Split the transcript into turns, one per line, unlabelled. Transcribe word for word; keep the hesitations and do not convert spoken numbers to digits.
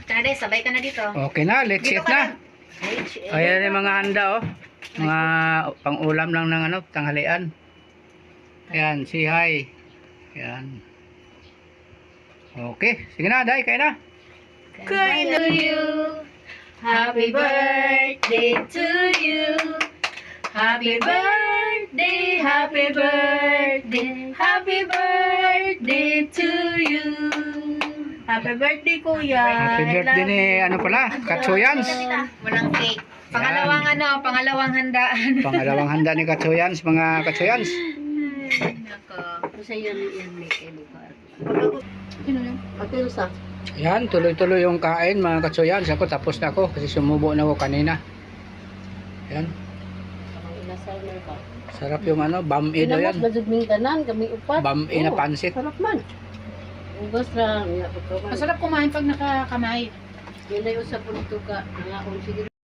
Tara, sabay ka na dito.
Okay na, let's
Dito
eat
ka
na.
Ay,
Ayan yung mga handa oh. Mga pang-ulam lang ng ano, tanghalian. Ayan, si hi. Ayan. Okay, sige na, Day, kain na.
Kain to you. Happy birthday to you. Happy birthday, happy birthday, happy birthday to you. Happy birthday, Kuya.
Happy birthday ni ano pala, Katsuyans.
Walang cake. Pangalawang ano, pangalawang handaan.
Pangalawang handa ni Katsuyans, mga Katsuyans.
Nako.
Sa iyo yan may kay lugar.
Sino yun?
Ate Rosa.
Ayan, tuloy-tuloy yung kain mga Katsuyans. Ako tapos na ako kasi sumubo na ako kanina. Ayan,
Ang inasal na ba?
sarap yung ano, bam-i daw
Inamos
yan.
ba jud ming tanan kami upat.
Bam-i na
Oo,
pansit.
Sarap man. Ubos ra nga pagkaman.
Masarap kumain pag nakakamay.
Yun ay usap po ka. Nga kung sige